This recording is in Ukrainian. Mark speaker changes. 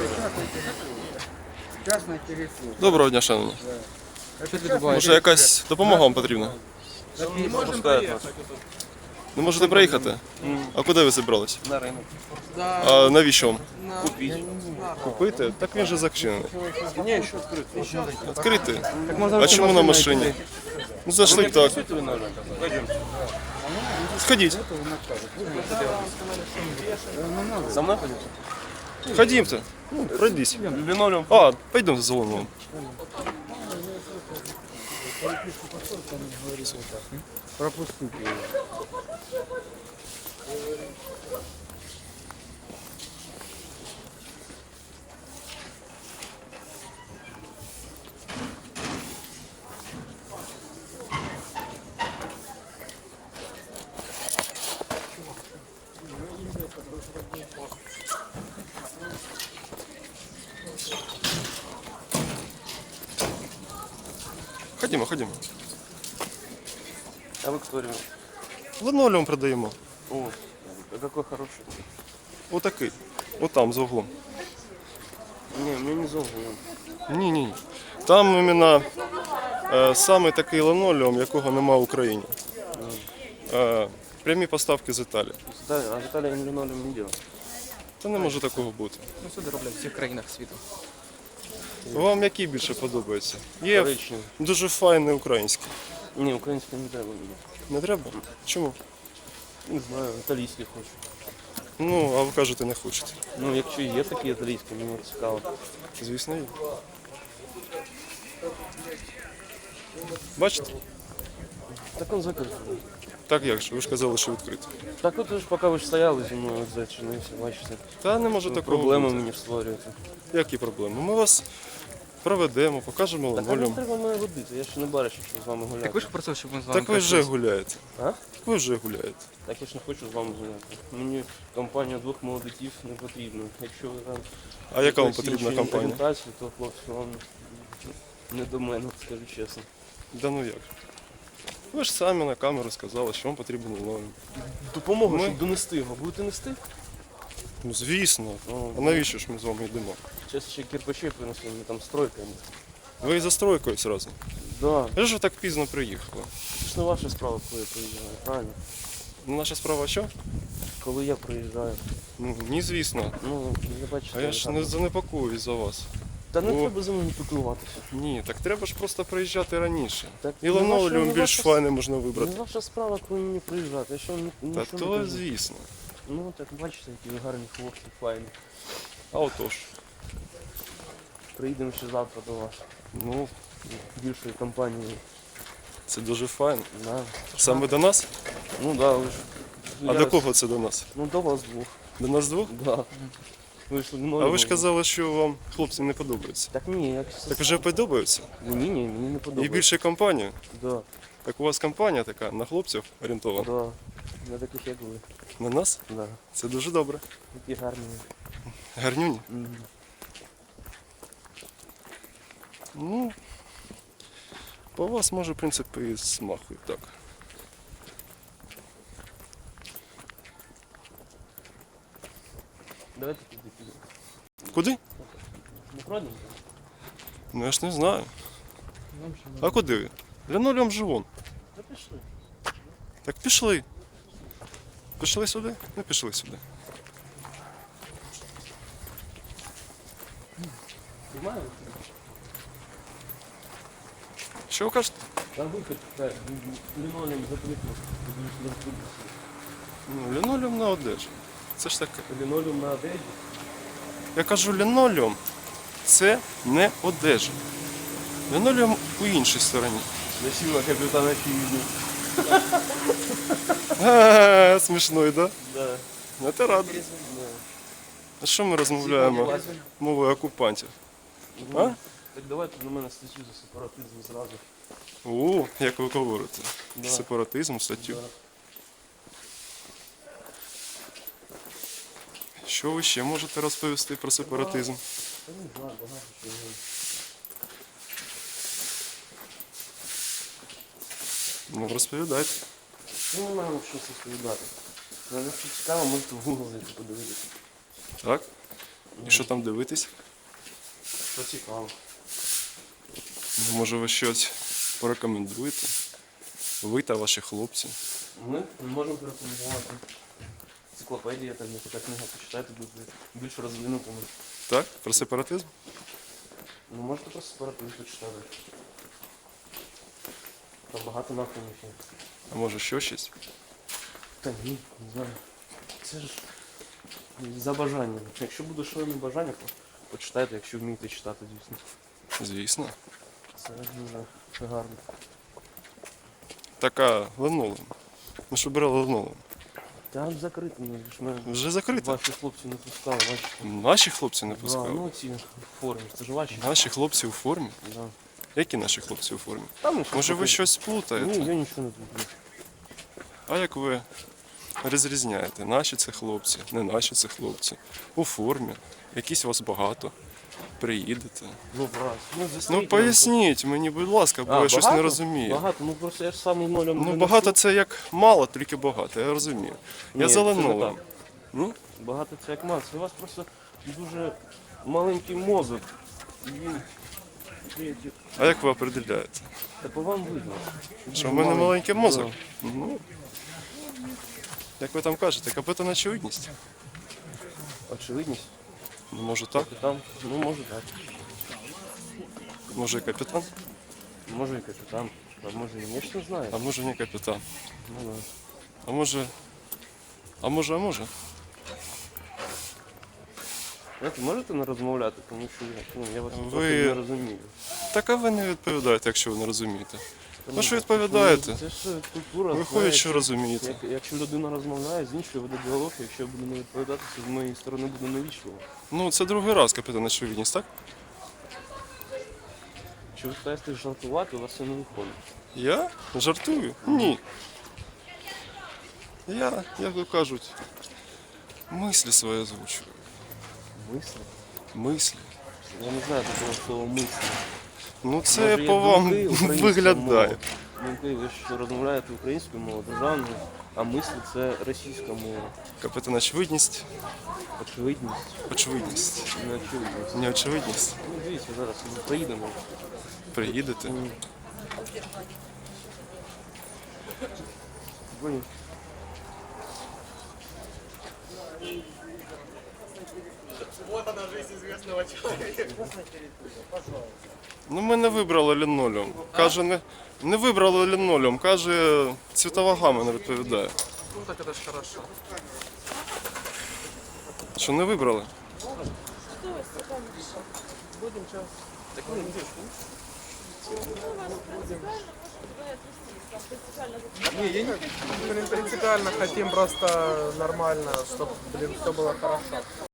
Speaker 1: Частна територія.
Speaker 2: Доброго дня, шановні.
Speaker 1: Що ти
Speaker 2: Може якась допомога вам потрібна?
Speaker 1: Не можемо
Speaker 2: Не можете приїхати? А куди ви зібрались?
Speaker 3: На ринок.
Speaker 2: А навіщо вам?
Speaker 3: Купить.
Speaker 2: Купити? Так він же зачинений.
Speaker 3: Не, ще відкрито.
Speaker 2: Відкритий? А чому на машині? Ну зайшли б так.
Speaker 3: Пойдем.
Speaker 2: Сходіть.
Speaker 3: За мной пойдете?
Speaker 2: Ходімте. Ну, пройдись.
Speaker 3: Линолеум.
Speaker 2: А, пойдемо за луном.
Speaker 1: пропустити його.
Speaker 2: Ходімо, ходімо.
Speaker 3: А вы кто, ребят?
Speaker 2: Линолеум продаємо.
Speaker 3: О, а какой хороший.
Speaker 2: Отакий. Отам, за углом.
Speaker 3: Не, мне не зовут.
Speaker 2: Ні. Там іменно саме такий линолеум, якого нема в Україні. Прямі поставки з Італії.
Speaker 3: Да, а в Италии они линолеум не делают.
Speaker 2: Та не може такого бути.
Speaker 4: Ну, сюди роблять в всіх країнах світу.
Speaker 2: Вам який більше подобається? Є
Speaker 3: Коричневый.
Speaker 2: дуже файний український.
Speaker 3: Не, украинский не треба мне.
Speaker 2: Не треба? Чому?
Speaker 3: Не знаю, італійський хочу.
Speaker 2: Ну, а ви кажете, не хочете.
Speaker 3: Ну, якщо є такі італійські, мені цікаво.
Speaker 2: Звісно, є. Бачите?
Speaker 3: Так он закритий.
Speaker 2: Так як же, ви ж казали, що відкрито.
Speaker 3: Так от ж поки ви ж стояли зі мною зачинився, бачите.
Speaker 2: Та не може такого
Speaker 3: Проблеми
Speaker 2: бути.
Speaker 3: мені створюєте.
Speaker 2: Які проблеми? Ми вас проведемо, покажемо
Speaker 3: Так а не
Speaker 2: линолеум.
Speaker 3: треба мене водити, я ще не бачив, щоб з вами гуляти.
Speaker 4: Так ви ж просив, щоб ми з вами
Speaker 2: Так ви вже
Speaker 4: прийшли.
Speaker 2: гуляєте.
Speaker 3: А?
Speaker 2: Так ви вже гуляєте.
Speaker 3: Так я ж не хочу з вами гуляти. Мені компанія двох молодиків не потрібна. Якщо ви там
Speaker 2: А яка вам
Speaker 3: якоїсь
Speaker 2: потрібна
Speaker 3: іншої
Speaker 2: компанія?
Speaker 3: орієнтації, то хлопці вам не до мене, скажу чесно.
Speaker 2: Да ну як? Ви ж самі на камеру сказали, що вам потрібен линолеум.
Speaker 3: Допомогу,
Speaker 2: Ми-
Speaker 3: щоб донести його. Будете нести?
Speaker 2: Ну звісно.
Speaker 3: О,
Speaker 2: А навіщо ж ми з вами йдемо?
Speaker 3: Зараз ще кирпичей принесли, мені там стройка.
Speaker 2: Ви і за стройкою зразу.
Speaker 3: Да,
Speaker 2: Ви ж ви так пізно приїхали.
Speaker 3: це ж не ваша справа, коли я приїжджаю, правильно?
Speaker 2: Ну, наша справа що?
Speaker 3: Коли я приїжджаю.
Speaker 2: Ну, ні, звісно.
Speaker 3: Ну, я бачите.
Speaker 2: А я ж не занепокоюсь за вас.
Speaker 3: Та не
Speaker 2: О.
Speaker 3: треба за мною піклуватися.
Speaker 2: Ні, так треба ж просто приїжджати раніше.
Speaker 3: Так,
Speaker 2: І
Speaker 3: не
Speaker 2: линолеум
Speaker 3: ваша-
Speaker 2: більш
Speaker 3: не
Speaker 2: файний можна
Speaker 3: Не
Speaker 2: вибрати.
Speaker 3: ваша справа, коли мені приїжджати. Я що
Speaker 2: Та
Speaker 3: нічого не
Speaker 2: то
Speaker 3: кажу.
Speaker 2: звісно.
Speaker 3: Ну так бачите, які ви гарні хлопці, файні.
Speaker 2: А отож.
Speaker 3: Приїдемо ще завтра до вас.
Speaker 2: Ну,
Speaker 3: Більшої компанії.
Speaker 2: це дуже файно.
Speaker 3: Да.
Speaker 2: Саме до нас?
Speaker 3: Ну да, ви ж.
Speaker 2: А до кого це до нас?
Speaker 3: Ну до вас двох.
Speaker 2: До нас двох?
Speaker 3: Да. Ви ж
Speaker 2: А ви ж казали, що вам хлопці не подобаються.
Speaker 3: Так ні, як
Speaker 2: Так вже подобаються?
Speaker 3: Ні, мені не
Speaker 2: І
Speaker 3: подобається.
Speaker 2: більше компанію.
Speaker 3: Да,
Speaker 2: Так у вас компанія така на хлопців орієнтована.
Speaker 3: да. На таких як ви.
Speaker 2: На нас?
Speaker 3: Да.
Speaker 2: Це дуже добре.
Speaker 3: Такі гарні.
Speaker 2: Гарнюні.
Speaker 3: Мгм.
Speaker 2: Ну, по вас може, в принципі, і смахує так.
Speaker 3: Давайте туди підемо.
Speaker 2: Куди?
Speaker 3: Не пройдемо?
Speaker 2: Ну я ж не знаю. А куди ви? Линолеум же вон.
Speaker 3: Та пішли.
Speaker 2: Так пішли. Пішли сюди? Ну пішли сюди.
Speaker 3: Знімаємо?
Speaker 2: Що ви кажете?
Speaker 3: Там вихід, так, лінолеум закрито.
Speaker 2: Ну, линолеум на одежі. Це ж таке.
Speaker 3: Лінолеум на одежі.
Speaker 2: Я кажу, линолеум це не одежа. Линолеум у іншій стороні.
Speaker 3: Носила капітана очевидно.
Speaker 2: Смішно, да?
Speaker 3: Да.
Speaker 2: Ну, ти радий. А що ми розмовляємо мовою окупантів? А?
Speaker 3: Так давайте на мене статтю за сепаратизм зразу.
Speaker 2: О, як ви говорите.
Speaker 3: Да.
Speaker 2: Сепаратизм, статтю.
Speaker 3: Да.
Speaker 2: Що ви ще можете розповісти про сепаратизм?
Speaker 3: Та не знаю, багато чого.
Speaker 2: Ну, розповідайте.
Speaker 3: Ну, не знаю, що це розповідати. Якщо цікаво, можете в Google зайти подивитися.
Speaker 2: Так? І що там дивитись?
Speaker 3: Що цікаво.
Speaker 2: Ну, може ви щось порекомендуєте? Ви та ваші хлопці.
Speaker 3: Ми можемо порекомендувати. Енциклопедія, там така книга почитайте, буде більш розвинутими.
Speaker 2: Так? Про сепаратизм?
Speaker 3: Ну можете просто сепаратизм почитати. Там багато напрямів є.
Speaker 2: А може ще щось?
Speaker 3: Та ні, не знаю. Це ж за бажанням. Якщо буде шалене бажання, то почитайте, якщо вмієте читати, звісно.
Speaker 2: Звісно.
Speaker 3: Це дуже гарно.
Speaker 2: Така линолеум. Ми ж обирали линолеум.
Speaker 3: Там закрито, ну ж ми
Speaker 2: Вже закрито.
Speaker 3: ваші хлопці не пускали, бачите.
Speaker 2: Наші хлопці не
Speaker 3: Да,
Speaker 2: пускали.
Speaker 3: ну ці в формі, це ж ваші.
Speaker 2: Наші хлопці у формі?
Speaker 3: Да.
Speaker 2: Які наші хлопці у формі?
Speaker 3: Там, ну,
Speaker 2: Може ви
Speaker 3: таке.
Speaker 2: щось плутаєте?
Speaker 3: Ні, я нічого не люблю.
Speaker 2: А як ви розрізняєте? Наші це хлопці, не наші це хлопці. У формі. Якісь вас багато. Приїдете.
Speaker 3: Ну, раз.
Speaker 2: Ну поясніть мені, будь ласка, бо я щось не розумію.
Speaker 3: Багато, ну просто я ж сам нолем.
Speaker 2: Ну багато це як мало, тільки багато, я розумію. Я
Speaker 3: Ні,
Speaker 2: за
Speaker 3: це не
Speaker 2: линолеум.
Speaker 3: так.
Speaker 2: Ну,
Speaker 3: Багато це як мас. У вас просто дуже маленький мозок. І він...
Speaker 2: а як ви определяєте?
Speaker 3: Та по вам видно.
Speaker 2: Що в мене маленький мозок?
Speaker 3: Да.
Speaker 2: Ну, як ви там кажете, капітан очевидність?
Speaker 3: Очевидність.
Speaker 2: Ну, може так,
Speaker 3: Капітан. Ну, може так.
Speaker 2: може і капітан,
Speaker 3: Може і капітан. А може і ніхто не знає.
Speaker 2: а може не капітан.
Speaker 3: Ну, да.
Speaker 2: А може.
Speaker 3: Знаєте, можете не розмовляти, тому що я вас
Speaker 2: Ви-
Speaker 3: трохи не розумію.
Speaker 2: Так а ви не відповідаєте, якщо ви не розумієте.
Speaker 3: Та
Speaker 2: Ну що
Speaker 3: ну,
Speaker 2: відповідаєте?
Speaker 3: Це ж культура.
Speaker 2: Виходить,
Speaker 3: знаєте.
Speaker 2: що розумієте.
Speaker 3: Якщо людина розмовляє, з іншою веде діалог, якщо я буду не відповідати, то з моєї сторони буде невічливо.
Speaker 2: Ну, це другий раз капітан очевидність, так?
Speaker 3: Якщо ви стараєтесь жартувати, у вас це не виходить.
Speaker 2: Я? Жартую? Ні. Я, як то кажуть, мислі свої озвучую.
Speaker 3: Мислі?
Speaker 2: Мислі.
Speaker 3: Я не знаю такого слова мислі.
Speaker 2: Ну це
Speaker 3: Може, є
Speaker 2: по вам
Speaker 3: думки українською
Speaker 2: виглядає.
Speaker 3: мовою? Думки, ви ж розмовляєте українською мовою, державною, а мислі це російська мова.
Speaker 2: Капітан очевидність.
Speaker 3: Очевидність,
Speaker 2: Очевидність.
Speaker 3: не очевидність.
Speaker 2: Не очевидність.
Speaker 3: Ну, дивіться, зараз ми поїдемо.
Speaker 2: Приїдете.
Speaker 3: Блин.
Speaker 2: Ну ми не вибрали лінолеум. Каже, не вибрали лінолеум. Каже, цвітова гама не відповідає.
Speaker 4: Ну так это ж хорошо.
Speaker 2: Що не вибрали?
Speaker 5: Принципиально хотим просто нормально, чтобы, все было хорошо.